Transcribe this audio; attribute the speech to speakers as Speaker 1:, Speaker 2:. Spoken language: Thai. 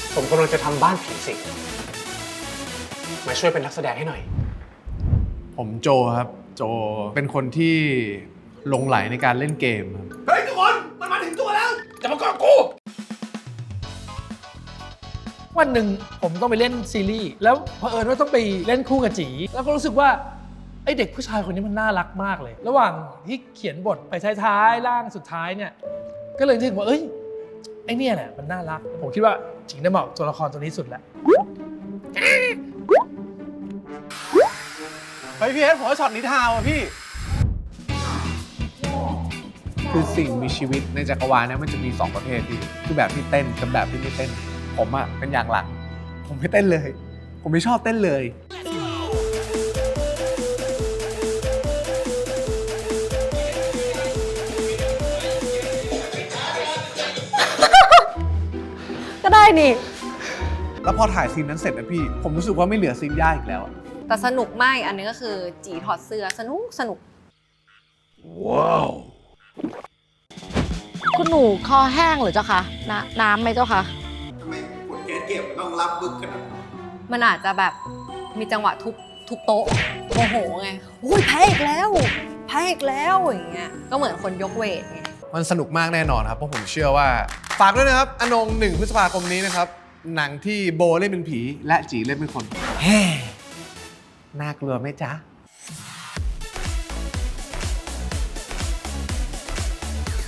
Speaker 1: ผมกำลังจะทำบ้านผีสิงมาช่วยเป็นนักแสดงให้หน่อย
Speaker 2: ผมโจครับ โจเป็นคนที่หลงไหลในการเล่นเกมครับ
Speaker 1: เฮ้ยทุกคนมันมาถึงตัวแล้วจะมาเกาะกู
Speaker 3: วันหนึ่งผมต้องไปเล่นซีรีส์แล้วเผอิญว่าต้องไปเล่นคู่กับจีแล้วก็รู้สึกว่าไอเด็กผู้ชายคนนี้มันน่ารักมากเลย ระหว่างที่เขียนบทไปท้ายๆร่างสุดท้ายเนี่ยก็เลยถึงว่าเอ้ยไอเนี่ยแหละมันน่ารักผมคิดว่าจีน่าเหมาะตัวละครตัวนี้สุดแล้ว
Speaker 2: เฮ้ยพี่เอสผมว่าช็อตนี้ทาวอ่ะพี่ คือสิ่งมีชีวิตในจักรวาลเนี่ยมันจะมี 2 ประเภทพี่คือแบบที่เต้นกับแบบที่ไม่เต้น ผมอ่ะเป็นอย่างหลัง ผมไม่เต้นเลย ผมไม่ชอบเต้นเลย
Speaker 4: ก็ได้นี่
Speaker 2: แล้วพอถ่ายซีนนั้นเสร็จนะพี่ ผมรู้สึกว่าไม่เหลือซีนยากอีกแล้วอะ
Speaker 4: แต่สนุกมากอันนึงก็คือจีถอดเสื้อสนุก
Speaker 5: คุณหนูคอแห้งหรือเจ้าคะน้ำไหมเจ้าคะ
Speaker 4: มันอาจจะแบบมีจังหวะทุบโต๊ะโมโหไงโอ้ยแพ้อีกแล้วอย่างเงี้ยก็เหมือนคนยกเวทไง
Speaker 2: มันสนุกมากแน่นอนครับ เพราะผมเชื่อว่า ฝากด้วยนะครับ อนง1 พฤษภาคมนี้นะครับ หนังที่โบเล่นเป็นผี และจีเล่นเป็นคน แฮ่น่ากลัวไหมจ๊ะ